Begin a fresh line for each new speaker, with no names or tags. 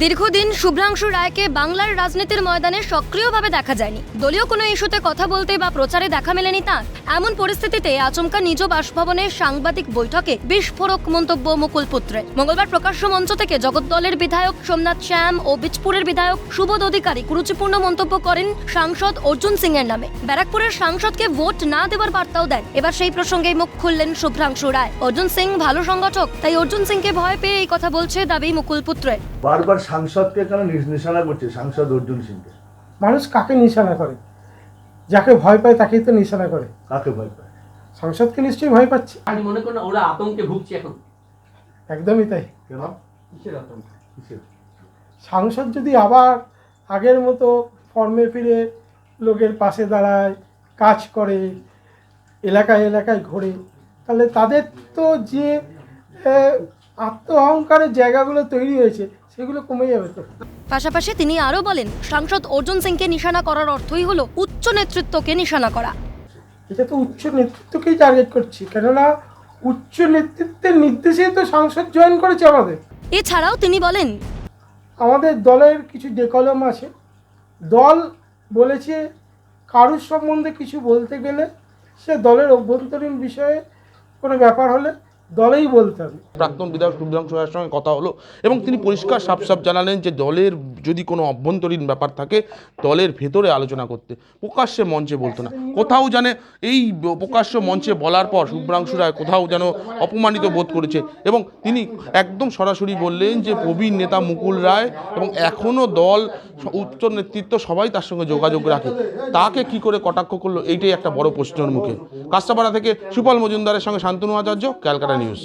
দীর্ঘদিন শুভ্রাংশু রায়কে বাংলার রাজনীতির ময়দানে সক্রিয়ভাবে দেখা যায়নি। দলীয় কোনো ইস্যুতে কথা বলতে বা প্রচারে দেখা মেলেনি তাঁর। এমন পরিস্থিতিতে আচমকা নিজ বাসভবনে সাংবাদিক বৈঠকে বিস্ফোরক মন্তব্য মুকুল পুত্রের। মঙ্গলবার প্রকাশ্য মঞ্চ থেকে জগদ্দলের বিধায়ক সোমনাথ শ্যাম ও বীজপুরের বিধায়ক সুবোধ অধিকারী কুরুচিপূর্ণ মন্তব্য করেন সাংসদ অর্জুন সিং এর নামে। ব্যারাকপুরের সাংসদকে ভোট না দেওয়ার বার্তাও দেন। এবার সেই প্রসঙ্গেই মুখ খুললেন শুভ্রাংশু রায়। অর্জুন সিং ভালো সংগঠক, তাই অর্জুন সিংকে ভয় পেয়ে এই কথা বলছে দাবি মুকুল পুত্রের।
বারবার সাংসদকে কেন নিশানা করছে সাংসদ অর্জুন সিংকে?
মানুষ কাকে নিশানা করে? যাকে ভয় পায় তাকেই তো নিশানা করে।
কাকে ভয় পায়?
সাংসদকে নিশ্চয়ই ভয় পাচ্ছে।
আজ মনে করেন ওরা আতঙ্কে ভুগছে এখন।
একদমই তাই।
কেন?
কিসের আতঙ্ক?
সাংসদ যদি আবার আগের মতো ফর্মে ফিরে লোকের পাশে দাঁড়ায়, কাজ করে, এলাকায় এলাকায় ঘোরে, তাহলে তাদের তো যে আত্ম অহংকারের জায়গাগুলো তৈরি হয়েছে সেগুলো কমে যাবে তো।
পাশাপাশি তিনি আরও বলেন, সাংসদ অর্জুন সিংকে নিশানা করার অর্থই হলো উচ্চ নেতৃত্বকে নিশানা করা।
এটা তো উচ্চ নেতৃত্বকেই টার্গেট করছি, কেননা উচ্চ নেতৃত্বের নির্দেশেই তো সাংসদ জয়েন করেছে আমাদের।
এছাড়াও তিনি বলেন,
আমাদের দলের কিছু ডেকলম আছে। দল বলেছে কারুর সম্বন্ধে কিছু বলতে গেলে সে দলের অভ্যন্তরীণ বিষয়ে কোনো ব্যাপার হলে দলেই বলতে হবে।
প্রাক্তন বিধায়ক শুভ্রাংশু রায়ের সঙ্গে কথা হলো এবং তিনি পরিষ্কার সাফ জানালেন যে দলের যদি কোনো অভ্যন্তরীণ ব্যাপার থাকে দলের ভেতরে আলোচনা করতে, প্রকাশ্যে মঞ্চে বলতো না। কোথাও জানে এই প্রকাশ্য মঞ্চে বলার পর শুভ্রাংশু রায় কোথাও যেন অপমানিত বোধ করেছে এবং তিনি একদম সরাসরি বললেন যে প্রবীণ নেতা মুকুল রায় এবং এখনও দল উচ্চ নেতৃত্ব সবাই তার সঙ্গে যোগাযোগ রাখে, তাকে কি করে কটাক্ষ করলো এইটাই একটা বড় প্রশ্নের মুখে। কাস্টাপাড়া থেকে সুপল মজুমদারের সঙ্গে শান্তনু আচার্য, ক্যালকাটা নিউজ।